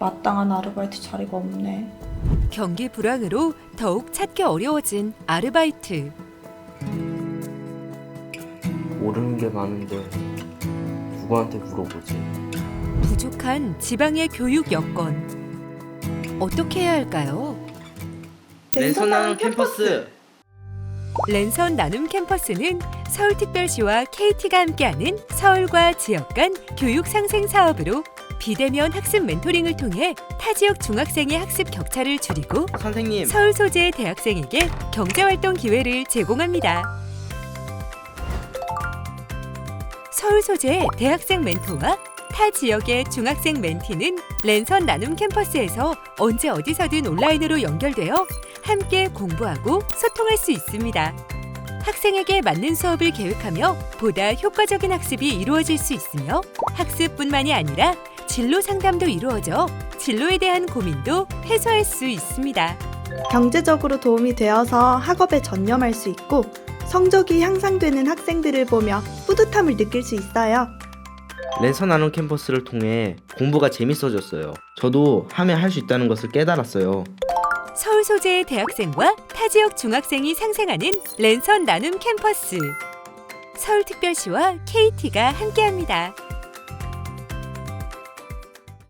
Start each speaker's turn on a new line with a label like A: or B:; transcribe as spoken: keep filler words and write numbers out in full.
A: 마땅한 아르바이트 자리가 없네.
B: 경기 불황으로 더욱 찾기 어려워진 아르바이트.
C: 모르는 게 많은데 누구한테 물어보지?
B: 부족한 지방의 교육 여건. 어떻게 해야 할까요?
D: 랜선 나눔 캠퍼스.
B: 랜선 나눔 캠퍼스는 서울특별시와 케이티가 함께하는 서울과 지역 간 교육 상생 사업으로 비대면 학습 멘토링을 통해 타 지역 중학생의 학습 격차를 줄이고
D: 선생님,
B: 서울 소재의 대학생에게 경제활동 기회를 제공합니다. 서울 소재의 대학생 멘토와 타 지역의 중학생 멘티는 랜선 나눔 캠퍼스에서 언제 어디서든 온라인으로 연결되어 함께 공부하고 소통할 수 있습니다. 학생에게 맞는 수업을 계획하며 보다 효과적인 학습이 이루어질 수 있으며 학습뿐만이 아니라 진로 상담도 이루어져 진로에 대한 고민도 해소할 수 있습니다.
E: 경제적으로 도움이 되어서 학업에 전념할 수 있고 성적이 향상되는 학생들을 보며 뿌듯함을 느낄 수 있어요.
D: 랜선 나눔 캠퍼스를 통해 공부가 재밌어졌어요. 저도 하면 할 수 있다는 것을 깨달았어요.
B: 서울 소재의 대학생과 타 지역 중학생이 상생하는 랜선 나눔 캠퍼스. 서울특별시와 케이티가 함께합니다.